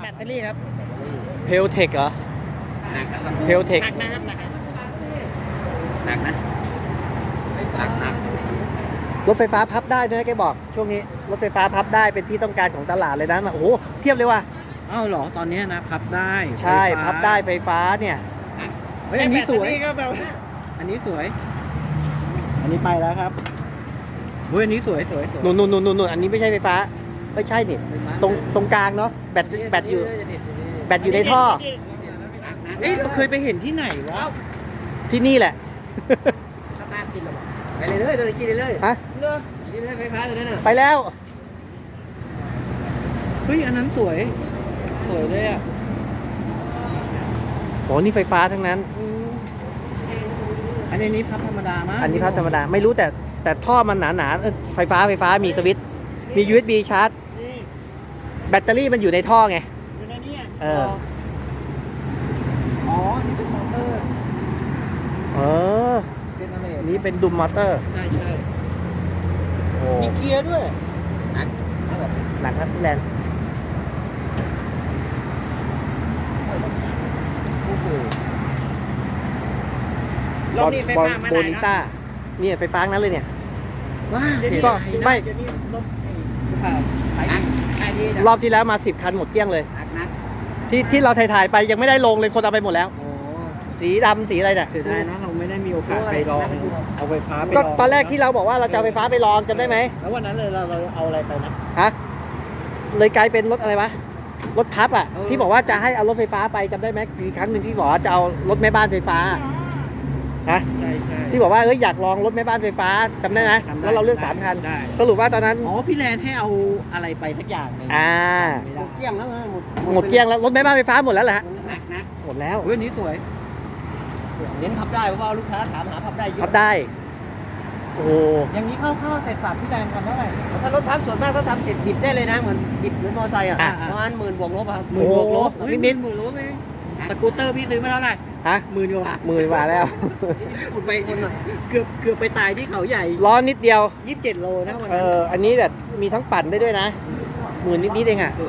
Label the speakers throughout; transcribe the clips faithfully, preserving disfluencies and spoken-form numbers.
Speaker 1: ตเตอรี่ครับ
Speaker 2: เพลเทคเหรอ
Speaker 3: หนักนะครับ
Speaker 2: เพลเทค
Speaker 1: หนักนะครับหนักนะ
Speaker 3: หนักนะหนักหนัก
Speaker 2: รถไฟฟ้าพับได้ด้วยนะแกบอกช่วงนี้รถไฟฟ้าพับได้เป็นที่ต้องการของตลาดเลยนะโอ้โหเพียบเลยว่ะ
Speaker 4: อ้าวเหรอตอนนี้นะพับได้
Speaker 2: ใช่
Speaker 4: ฟฟ้า
Speaker 2: พับได้ไฟฟ้าเนี่ย
Speaker 4: เฮ้ยอันนี้สวย
Speaker 1: แบตเตอรี่ก็แบบ
Speaker 4: อันนี้สวย อันนี้ไปแล้วครับเฮ้ยอันนี้สวยสวยสวย
Speaker 2: นู่นนู่นนู่นนู่นอันนี้ไม่ใช่ไฟฟ้าไม่ใช่นี่ตรงตรงกลางเนาะแบตแบตอยู่แบตอยู่ในท่อ
Speaker 4: เอ้ยเราเคยไปเห็นที่ไหนวะ
Speaker 2: ที่นี่แหละ
Speaker 3: สตาร์ทกินหรอไปเลยเลยเลยกินเลยเลย
Speaker 2: ฮะ
Speaker 1: เลือก
Speaker 3: กินเลยไฟฟ้าตัวนั้นน่ะ
Speaker 2: ไปแล้ว
Speaker 4: เฮ้ยอันนั้นสวยสวยเลยอ่ะ
Speaker 2: โหนี่ไฟฟ้าทั้งนั้น
Speaker 4: อืมอันนี้พับธรรมดามาก
Speaker 2: อันนี้พับธรรมดาไม่รู้แต่แต่ท่อมันหนาหนาๆเอ้ยไฟฟ้าไฟฟ้ามีสวิตช์มี ยู เอส บี ชาร์จ
Speaker 1: นี่
Speaker 2: แบตเตอรี่มันอยู่ในท่อไง
Speaker 1: อยู่ในนี้
Speaker 2: เออ
Speaker 4: อ๋อนี่เป็นมอเตอร์
Speaker 2: เออ
Speaker 4: เป็นอะไร
Speaker 2: อันนี้เป็นดุมมอเตอร์
Speaker 4: ใช่ใช่
Speaker 2: โอ้
Speaker 4: มีเกียร์ด้วย
Speaker 2: หนักครับพี่แลนด์
Speaker 4: โอ้โห
Speaker 1: รอบนี้ไฟ
Speaker 2: บอล
Speaker 1: ฟ้ามา
Speaker 2: โบ
Speaker 1: ไหน
Speaker 2: นิ
Speaker 1: นะ
Speaker 2: ต้าเนี่ยไฟฟ้าทั้งนั้นเลยเนี่ย
Speaker 4: ว้า
Speaker 1: เดี๋ยวนี้
Speaker 2: ก็
Speaker 1: เดี๋ยวนี้
Speaker 2: ไม่
Speaker 1: เดี๋ยวนี้รถ
Speaker 4: ไป
Speaker 3: หนัก
Speaker 1: ไอ้นี่
Speaker 2: รอบที่แล้วมาสิบคันหมดเกลี้ยงเลย
Speaker 3: หนักหนัก
Speaker 2: ที่ที่เราถ่ายๆไปยังไม่ได้ลงเลยคนเอาไปหมดแล้ว
Speaker 4: โอ้
Speaker 2: สีดำสีอะไรเนี่ย
Speaker 4: เสียดายนะเราไม่ได้มีโอกาสไปลองเอาไฟฟ้าไปล
Speaker 2: ก็
Speaker 4: อง
Speaker 2: ตอนแรกที่เราบอกว่าเราจะเอาไฟฟ้าไปลองจำได้ไหม
Speaker 4: แล้ววันนั้นเลยเราเราเอาอะไรไปนะ
Speaker 2: ฮะเลยกลายเป็นรถอะไรวะรถพับอ่ะ
Speaker 4: เออ
Speaker 2: ที่บอกว่าจะให้เอารถไฟฟ้าไปจำได้ไหมมีครั้งหนึ่งที่บอกว่าจะเอารถแม่บ้านไฟฟ้าฮะ
Speaker 4: ใช่ใช่
Speaker 2: ที่บอกว่าเอ้ยอยากลองรถแม่บ้านไฟฟ้าจำได้ไหม
Speaker 4: จำได้
Speaker 2: แล้วเราเลือกสามคัน
Speaker 4: ได้
Speaker 2: สรุปว่าตอนนั้น
Speaker 4: อ๋อพี่แลนให้เอาอะไรไปสักอย่างหนึง
Speaker 2: อ่า
Speaker 4: ไม่
Speaker 3: หม
Speaker 4: ได้
Speaker 3: ดเกลี้ยงแล้วนะหมด
Speaker 2: หมดเกลี้ยงแล้วรถแม่บ้านไฟฟ้าหมดแล้วเหรอฮะ
Speaker 3: หนักหนัก
Speaker 2: หมดแล้ว
Speaker 4: เฮ้ยอันนี้สวย
Speaker 3: เน้นพับได้เพราะว่าลูกค้าถามหาพับได้เยอะ
Speaker 2: พับได้โอ้โห
Speaker 4: อย่างนี้เข้าวๆใส่สับพี่แลนกันเท่าไหร่
Speaker 3: ถ้ารถพับส่วนมากถ้าทำเสร็จบิดได้เลยนะเหมือนบิดเหมือนมอเตอร์ไซค์อ่ะ
Speaker 4: อ่า
Speaker 3: ประมาณหมื่นบวกลบอะครับ
Speaker 4: หมื่นบวกลบ
Speaker 2: โอ้โห
Speaker 4: เฮ้ย
Speaker 2: นิดๆ
Speaker 4: หมื่นบวกลบเองสกูตเตอร์พี่ซื้อมาเท่าไหร่
Speaker 2: ฮะ
Speaker 4: หมื่นกว่า
Speaker 2: หมื่นกว่าแล้ว
Speaker 4: ขุดไปเกือบเกือบไปตายที่เขาใหญ่
Speaker 2: ล้อนิดเดียว
Speaker 4: ยี่สิบเจ็ดโลนะวัน
Speaker 2: เอ
Speaker 4: นั้น
Speaker 2: ออันนี้แบบมีทั้งปั่นได้ด้วยนะหมื่นนิดๆเองอ่ะ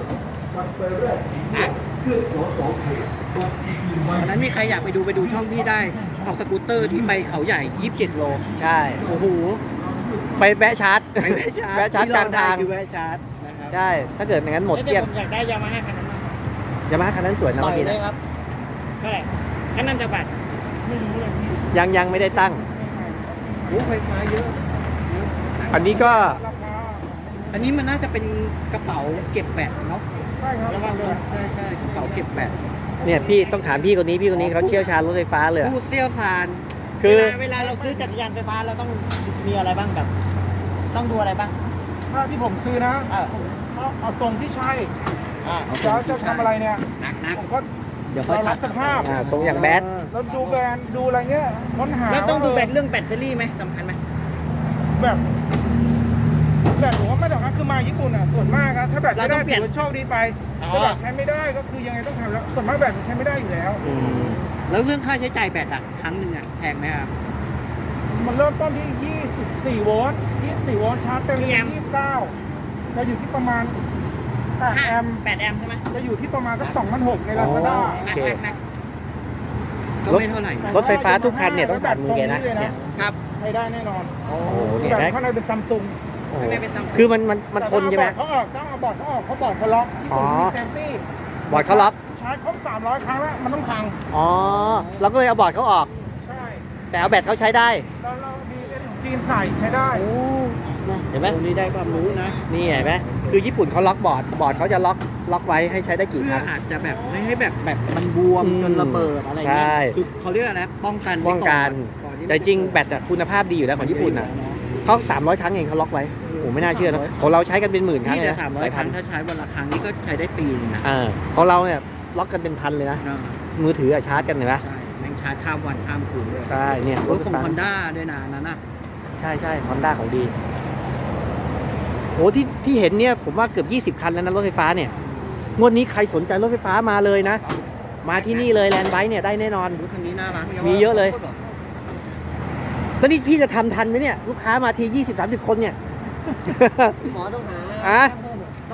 Speaker 4: วันนั้นมีใครอยากไปดูไปดูช่องพี่ได้เอาสกูตเตอร์ที่ไปเขาใหญ่ยี่สิบเจ็ดโล
Speaker 2: ใช่
Speaker 4: โอ้โห
Speaker 2: ไปแวะชาร์จ
Speaker 4: ไปแวะชาร์จ
Speaker 2: แวะชาร์จ
Speaker 4: ที่
Speaker 2: กลางทาง
Speaker 4: เรได้คือแวะชาร์จนะครับ
Speaker 2: ใช่ถ้าเกิดอย่างนั้นหมด
Speaker 1: แต่
Speaker 2: เกลี้ยง
Speaker 1: ผมอยากได้ยามาฮ่าคันนั้นมาก
Speaker 2: ยามาฮ่าคันนั้นสวยนะ
Speaker 4: ต่อ
Speaker 2: เมื่
Speaker 4: ย
Speaker 2: อกี้
Speaker 4: ได้
Speaker 2: นะ
Speaker 4: ครับ
Speaker 1: เท่าไหร่คันนั้นจะบาทไม่รู้เลย
Speaker 2: ยังยังไม่ได้ตั้ง
Speaker 4: โอ้ไฟฟ้าเยอะ
Speaker 2: อันนี้ก็
Speaker 1: ราคา
Speaker 4: อันนี้มันน่าจะเป็นกระเป๋าเก็บแบตเนาะ
Speaker 1: ใช่ครับระวังด้วย
Speaker 4: ใช่ใช่กระเป๋าเก็บแบต
Speaker 2: เนี่ยพี่ต้องถามพี่คนนี้พี่คนนี้เขาเชี่ยวชาญรถไฟฟ้าเลยอะ
Speaker 4: ผู้เชี่ยวชาญ
Speaker 2: คือ
Speaker 1: เวลาเวลาเราซื้อจักรยานไฟฟ้าเราต้องมีอะไรบ้างแบบ ต้องดูอะไรบ้าง
Speaker 5: ถ้าที่ผมซื้อนะ
Speaker 1: เออ
Speaker 5: เอาเอาทรงที่ใช่
Speaker 1: อ่า
Speaker 5: จะจะทำอะไรเนี่ย
Speaker 3: หนักหนัก
Speaker 5: ผมก็
Speaker 4: เดี๋ยวค่อย
Speaker 5: เรารักสภาพ
Speaker 2: อ่าทรงอย่างแบด
Speaker 5: แล้วดูแบรนด์ดูอะไรเงี้ยค้นหา
Speaker 1: แล้วต้องดูแบต
Speaker 5: ว่า
Speaker 1: เรื่องแบตเตอรี่ไหมสำคัญไหม
Speaker 5: แบบแบบผมว่าไม่ต้องนะคือมาญี่ปุ่นอ่ะส่วนมากอะถ้าแบตไม่ได้ถือว่าโชคดีไปถ้าแบตใช้ไม่ได้ก็คือยังไงต้องทำแล้วส่วนมากแบตมันใช้ไม่ได้อยู่แล้ว
Speaker 2: อืม
Speaker 4: แล้วเรื่องค่าใช้จ่ายแบตอ่ะครั้งหนึ่งอ่ะแพงไหมครับ
Speaker 5: มันเริ่มต้นที่ยี่สิบสี่โวลต์ยี่สิบสี่โวลต์ชาร์จเต็มที่ยี่สิบเก้าจะอยู่ที่ประมาณแปด
Speaker 1: ห้า
Speaker 5: แอมป์
Speaker 1: แปดแอมป์ใช่ไหม
Speaker 5: จะอยู่ที่ประมาณสักสองพันหกในลาซาด้า
Speaker 1: หนักหนักหนัก
Speaker 4: ก็ไม่เท่าไหร่
Speaker 2: รถไฟฟ้าทุกคันเนี่ยต้องผ่านมือแกนะเนี่ย
Speaker 1: ครับ
Speaker 5: ใช้ได้แน่นอน
Speaker 2: โอ้โหเนี่ย
Speaker 5: แบบ
Speaker 2: นะ
Speaker 5: ข้างในเป็นซัมซุง
Speaker 2: โอ้โห
Speaker 1: ข้างในเป็น Samsung
Speaker 2: คือมันมันมันทนใช่ไหม
Speaker 5: เขาออกต้องเอาบอร์ดเขาออกเขาบอร์ดเขาล็อกญี่ปุ่น
Speaker 2: อ๋อ
Speaker 5: มีเซฟตี้
Speaker 2: บอร์ดเขาล็อก
Speaker 5: ชาร์จครบสามร้อยครั้งแล้วมันต้องพัง
Speaker 2: อ๋อเราก็เลยเอาบอร์ดเขาออก
Speaker 5: ใช่
Speaker 2: แต่เอาแบตเขาใช้ได้
Speaker 5: แล้วเรามีเอ็นของจีนใส่ใช้ได้
Speaker 2: เห็นไหม
Speaker 4: โอ้นี่ได้ความรู้นะ
Speaker 2: นี่เห็นไหมคือญี่ปุ่นเขาล็อกบอร์ดบอร์ดเขาจะล็อกล็อกไว้ให้ใช้ได้กี่
Speaker 4: เพื่
Speaker 2: ค
Speaker 4: อ
Speaker 2: รั้ง
Speaker 4: อาจจะแบบไม่ให้แบบแบบมันบวม
Speaker 2: อืม
Speaker 4: จนระเบิดอะไรเงี้ย
Speaker 2: ใช่
Speaker 4: คือเขาเรียกอะไรป้องกันไว้
Speaker 2: ป้องกัน
Speaker 4: ก่อนที่มัน
Speaker 2: แต่จริงแบตอะคุณภาพดีอยู่แล้วของญี่ปุ่นอะเขาสามร้อยครั้งเองเขาล็อกไว้โอ้ไม่น่าเชื่อนะของเราใช้กันเป็นหมื่นครั้ง
Speaker 4: นี่
Speaker 2: เลย
Speaker 4: แต่
Speaker 2: นะ
Speaker 4: สามร้อ
Speaker 2: ห
Speaker 4: ย
Speaker 2: ลาย
Speaker 4: ค
Speaker 2: พั
Speaker 4: รั้
Speaker 2: น
Speaker 4: งถ้าใช้วันละครั้งนี่ก็ใช้ได้ปีนึงนะ
Speaker 2: อ่าของเราเนี่ยล็อกกันเป็นพันเลยนะ
Speaker 4: อ่า
Speaker 2: มือถืออะชาร์จกันเห็นไหม
Speaker 4: ใช่แม่งชาร์จข้ามวันข้ามคืนด้วย
Speaker 2: ใช่เนี่ย
Speaker 4: รถของ Honda ด้วยนะอันนั้นน่ะ
Speaker 2: ใช่ใช่ฮอนด้าของดีโอ้ที่ที่เห็นเนี่ยผมว่าเกือบยี่สิบคันแล้วนะรถไฟฟ้าเนี่ยงวดนี้ใครสนใจรถไฟฟ้ามาเลยนะ มาที่นี่เลยแลนด์ไบค์เนี่ยได้แน่นอน
Speaker 4: รถคันนี้น่ารัก
Speaker 2: มีเยอะเลย แล้วนี่พี่จะทำทันไหมเนี่ยลูกค้ามาทียี่สิบสามสิบคนเนี่ย
Speaker 3: หมอต้องหา
Speaker 2: อ่ะ
Speaker 4: ต้อง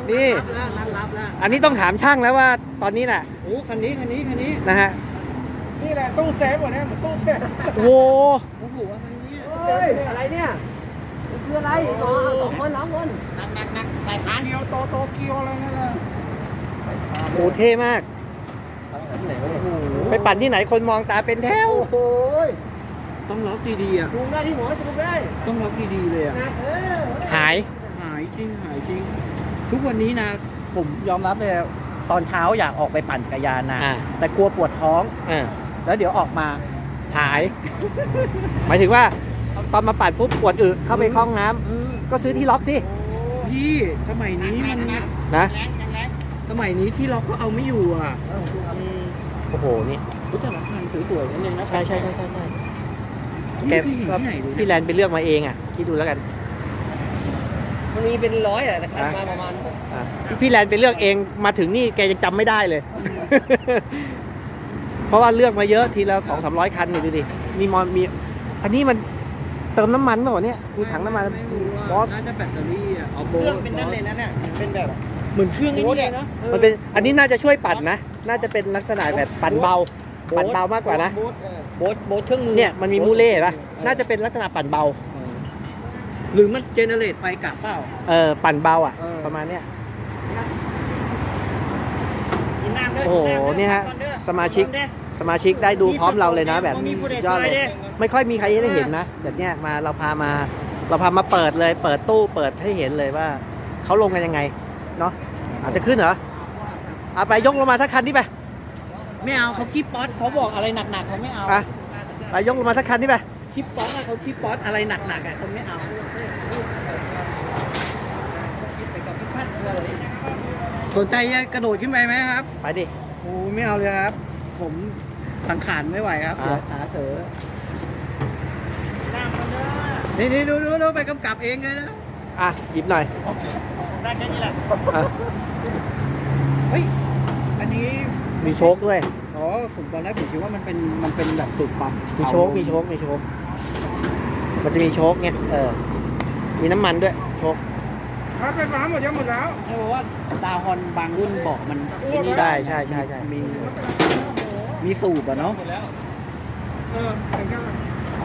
Speaker 2: นี่
Speaker 4: รับแล้วนัดรับแล้ว
Speaker 2: อันนี้ต้องถามช่างแล้วว่าตอนนี้น่ะ
Speaker 4: โอ้คันนี้คันนี้คันนี้
Speaker 2: นะฮะ
Speaker 5: นี่แหละตู้เซฟวะเนี่ยเหมือนตู้เซฟ
Speaker 2: โอ้โห
Speaker 4: โอ้โหอะไรเนี่ย
Speaker 3: เฮ้ยอะไรเนี่ยมันคืออะไรอ๋อสองคนสามคน
Speaker 1: หนักหนักหนักใส่พาน
Speaker 5: เกียวโตโตเกียวอะไรนั่นแหละ
Speaker 2: โอ้โหเท่มาก
Speaker 3: ที่ไหนวะเนี่ย
Speaker 4: โอ้โห
Speaker 2: ไปปั่นที่ไหนคนมองตาเป็นแถว
Speaker 3: โอ้โห
Speaker 4: ต้องล็อกดีๆอ่ะ
Speaker 3: จูงได้ที่หัวจูงได้
Speaker 4: ต้องล็อกดีๆเลยอ่ะ
Speaker 3: นะเออ
Speaker 2: หาย
Speaker 4: หายจริงหายจริง ทุกวันนี้นะ ผมยอมรับเลยตอนเช้าอยากออกไปปั่นจักรยานนะ
Speaker 2: อ่า
Speaker 4: แต่กลัวปวดท้อง
Speaker 2: อ่า
Speaker 4: แล้วเดี๋ยวออกมา
Speaker 2: หาย หมายถึงว่าตอนมาปั่นปุ๊บปวดอึเข้าไปเข้าห้องน้ำ
Speaker 4: เออ
Speaker 2: ก็ซื้อที่ล็อกสิ
Speaker 4: พี่สมัยนี้มัน
Speaker 2: นะ
Speaker 1: แรงยังแรง
Speaker 4: สมัยนี้ที่ล็อกก็เอาไม่อยู่อ่ะ
Speaker 2: โอ้โหนี่
Speaker 4: รู้จักราคาสวยๆนั่นเองนะ
Speaker 2: ใช่ใช่ใช่ใช่ใช่แก
Speaker 4: ไม่เคยเห็น
Speaker 2: ก็
Speaker 4: ที่ไหนเลย
Speaker 2: พี่แล
Speaker 4: นะ
Speaker 2: นไปเลือกมาเองอ่ะคิดดูแล้วกัน
Speaker 3: มันมีเป็นร้อยอะแต่คันมาประมาณ
Speaker 2: อ่ะพี่แลนไปเลือกเองมาถึงนี่แกยังจำไม่ได้เลย เพราะว่าเลือกมาเยอะทีละสองสามร้อยคันนี่ดูดิมีมอนมี อันนี้มันเติมน้ำมันเปล่าวะเนี่ยมีถังน้ำมัน
Speaker 4: ไม่รู้
Speaker 2: บอ
Speaker 4: ว่า
Speaker 2: ส
Speaker 4: น่าจะแบตเตอรี่อ่ะเอา
Speaker 1: เค
Speaker 4: โบ
Speaker 1: รื่องเป็นนั่นเลยนะเนี่ยเป็นแบบ
Speaker 4: เหมือนเครื่องไอ้นี่เลยนะ
Speaker 2: มันเป็นอันนี้น่าจะช่วยปั่นนะ น่าจะเป็นลักษณะแบบปั่นเบา ปั่นเบามากกว่านะ
Speaker 4: โบ๊ทเออโบ๊ทโบ๊ทเครื่องมือ
Speaker 2: เนี่ยมันมีมูเล่เห็นปะน่าจะเป็นลักษณะปั่นเบา
Speaker 4: เออหรือมันเจเนเรตไฟกลับเปล่า
Speaker 2: เออปั่นเบาอ่ะ
Speaker 4: เออ
Speaker 2: ประมาณเนี้ย
Speaker 1: กินน้ำด้วย
Speaker 2: โอ้โห
Speaker 1: กิำด้วย
Speaker 2: เนี่ยฮะ
Speaker 1: ก่อด้อ
Speaker 2: สมาชิก สมาชิกได้ดูพร้อมเราเลยนะแบบ
Speaker 1: มีผู้ใด
Speaker 2: ยอดเลย
Speaker 1: ซอยดิ
Speaker 2: ไม่ค่อยมีใครได้เห็นนะแต่เนี่ยมาเราพามา เราพามาเปิดเลย เปิดตู้เปิดให้เห็นเลยว่าเขาลงกันยังไงเนาะอาจจะขึ้นเหรอเอาไปยกลงมาทักคันที่ไป
Speaker 4: ไม่เอาเขาคีบป๊อตเขาบอกอะไรหนักๆเขาไม่เอา
Speaker 2: อ่ะไปยกลงมาทักคันที่ไป
Speaker 4: คีบป๊อตอะเขาคีบป๊อตอะไรหนักๆอะเขาไม่เอา สนใจจะกระโดดขึ้นไปไหมครับ
Speaker 2: ไปดิ
Speaker 4: โอ้ไม่เอาเลยครับ ผมสังขารไม่ไหวครับ
Speaker 2: อ่ะ
Speaker 4: เดี๋ยวขาเถอ
Speaker 1: น้ำมันเด้อ
Speaker 4: นี่นี่ดูดูดูไปกำกับเองเลยนะ
Speaker 2: อ่ะหยิบหน่อย
Speaker 1: ได้แค่นี้แหละ
Speaker 2: อ่ะ
Speaker 4: เฮ้ยอันนี้
Speaker 2: มีโชคด้วย
Speaker 4: อ๋อผมตอนแรกผมคิดว่ามันเป็นมันเป็นแบบตุกปั๊ม
Speaker 2: มีโชคมีโชคมีโชคมันจะมีโชคไงเออมีน้ำมันด้วยโชค
Speaker 5: รถไฟฟ้าหมดยังหมดแล้ว
Speaker 4: ใช่เพราะว่าดาวฮอนบางรุ่นบอกมันไอ้นี่
Speaker 2: ใช่
Speaker 4: ได้
Speaker 2: ใช่ใช่ใช่
Speaker 4: มีมีสูบอะเนาะ
Speaker 5: เออถึงกันแล้ว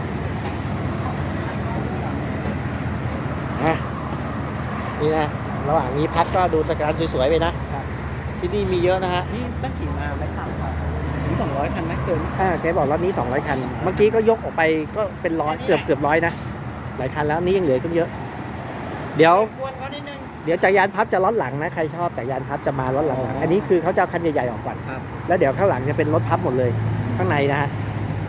Speaker 2: อ่ะนี่นะระหว่างนี้พักก็ดูตะการสวยๆไปนะที่นี่มีเยอะนะฮะ
Speaker 4: นี่ตั้งกี่มาไม่ขับถึงสองร้อยคันไหมเกิน
Speaker 2: อ่าแกบอกรอบนี้สองร้อยคัน เมื่อกี้ก็ยกออกไปก็เป็นร้อยเกือบเกือบร้อยนะหลายคันแล้วนี่ยังเหลือก็เยอะ เดี๋ยว
Speaker 1: กวนเขานิดนึง
Speaker 2: เดี๋ยวจักรยานพับจะล้อหลังนะใครชอบจักรยานพับจะมาล้อหลังๆอันนี้คือเขาจะเอาคันใหญ่ๆออกก่อน
Speaker 4: ครับ
Speaker 2: แล้วเดี๋ยวข้างหลังจะเป็นรถพับหมดเลยข้างในนะฮะ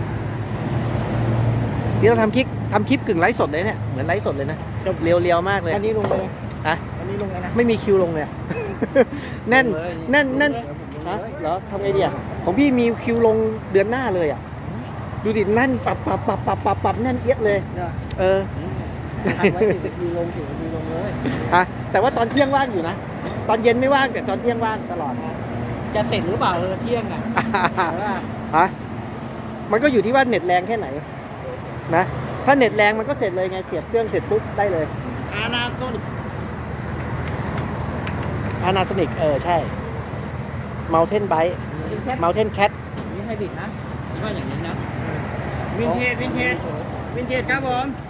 Speaker 2: นี่เราทำคลิปทำคลิปกึ่งไลฟ์สดเลยเนี่ยเหมือนไลฟ์สดเลยนะเรียวๆมากเลย
Speaker 4: อันนี้ลงไปเลย
Speaker 2: ฮะ
Speaker 4: อันนี้ลงเลยนะ
Speaker 2: ไม่มีคิวลงเลยอะ แน่นแน่นแน่นฮะเหรอทำไงดีอ่ะของพี่มีคิวลงเดือนหน้าเลยอ่ะดูดิแน่นปับปับปับปับปับปับแน่นเอียดเลย เออ
Speaker 4: ทำไว้ถึงนาทีลงถึงนาทีลงเลย
Speaker 2: ฮะแต่ว่าตอนเที่ยงว่างอยู่นะ ตอนเย็นไม่ว่างแต่ตอนเที่ยงว่างตลอดนะ
Speaker 4: จะเสร็จหรือเปล่าเออเที่ยงอ่ะแต่ว่า
Speaker 2: ฮะมันก็อยู่ที่ว่าเน็ตแรงแค่ไหนนะถ้าเน็ตแรงมันก็เสร็จเลยไงเสียบเครื่องเสร็จปุ๊บได้เลย
Speaker 1: อานาโซนิก
Speaker 2: Panasonic เออใช่ Mountain Bike Mountain Cat
Speaker 4: นี่ให้บิดนะคิดว่าอย่างนี้นะ
Speaker 1: วินเทจวินเทจวินเทจครับผม